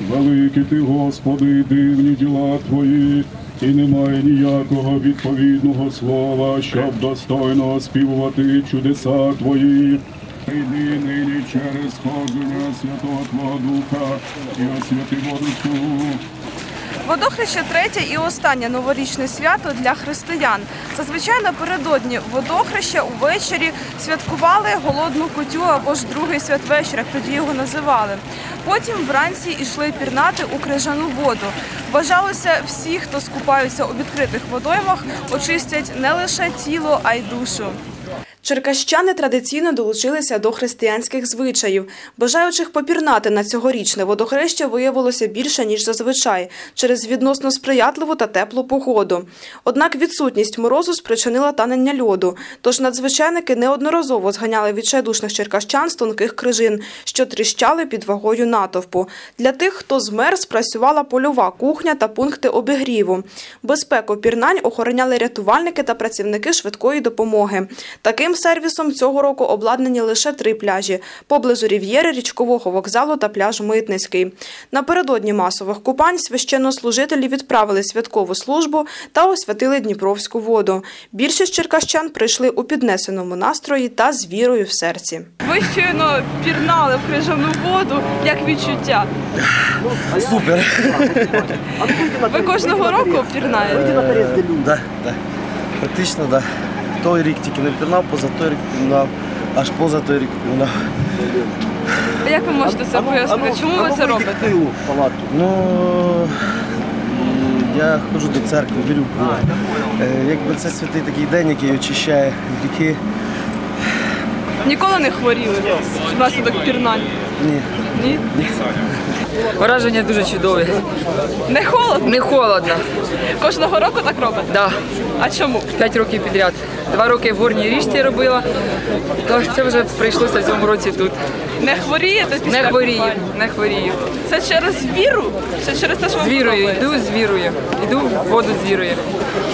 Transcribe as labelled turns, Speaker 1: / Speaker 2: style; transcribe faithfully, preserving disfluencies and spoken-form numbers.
Speaker 1: Великий ти, Господи, і дивні діла Твої, і немає ніякого відповідного слова, щоб достойно оспівувати чудеса Твої. Прийди нині через сходження Святого Твого Духа і освяти воду цю.
Speaker 2: Водохреща – третє і останнє новорічне свято для християн. Зазвичай напередодні водохреща увечері святкували голодну кутю або ж другий святвечір, як тоді його називали. Потім вранці йшли пірнати у крижану воду. Вважалося, всі, хто скупаються у відкритих водоймах, очистять не лише тіло, а й душу. Черкащани традиційно долучилися до християнських звичаїв. Бажаючих попірнати на цьогорічне водохреща виявилося більше, ніж зазвичай, через відносно сприятливу та теплу погоду. Однак відсутність морозу спричинила танення льоду, тож надзвичайники неодноразово зганяли відчайдушних черкащан з тонких крижин, що тріщали під вагою натовпу. Для тих, хто змерз, працювала польова кухня та пункти обігріву. Безпеку пірнань охороняли рятувальники та працівники швидкої допомоги. Таким сервісом цього року обладнані лише три пляжі – поблизу Рів'єри, річкового вокзалу та пляж Митницький. Напередодні масових купань священнослужителі відправили святкову службу та освятили Дніпровську воду. Більшість черкащан прийшли у піднесеному настрої та з вірою в серці. Ви щойно пірнали в крижану воду. Як відчуття?
Speaker 3: Супер!
Speaker 2: Ви кожного року пірнаєте?
Speaker 3: Так, так. Практично, так. Той рік тільки не пірнав, поза той рік пірнав, аж поза той рік пірнав.
Speaker 2: А як ви можете це пояснити? Чому ви це робите?
Speaker 3: Ну, я ходжу до церкви, вірю в Бога. Якби це святий такий день, який очищає гріхи.
Speaker 2: Ніколи не хворіли внаслідок пірнань?
Speaker 3: Ні.
Speaker 2: Ні?
Speaker 4: Враження дуже чудові.
Speaker 2: Не холодно?
Speaker 4: Не холодно.
Speaker 2: Кожного року так робите?
Speaker 4: Да.
Speaker 2: А чому?
Speaker 4: П'ять років підряд. Два роки в Горній річці робила, то це вже прийшлося в цьому році тут.
Speaker 2: Не хворієте після
Speaker 4: Не хворію,
Speaker 2: купання?
Speaker 4: не хворію.
Speaker 2: Це через віру? Чи через те, що ви
Speaker 4: З вірою,
Speaker 2: подобається?
Speaker 4: йду з вірою. Йду в воду з вірою.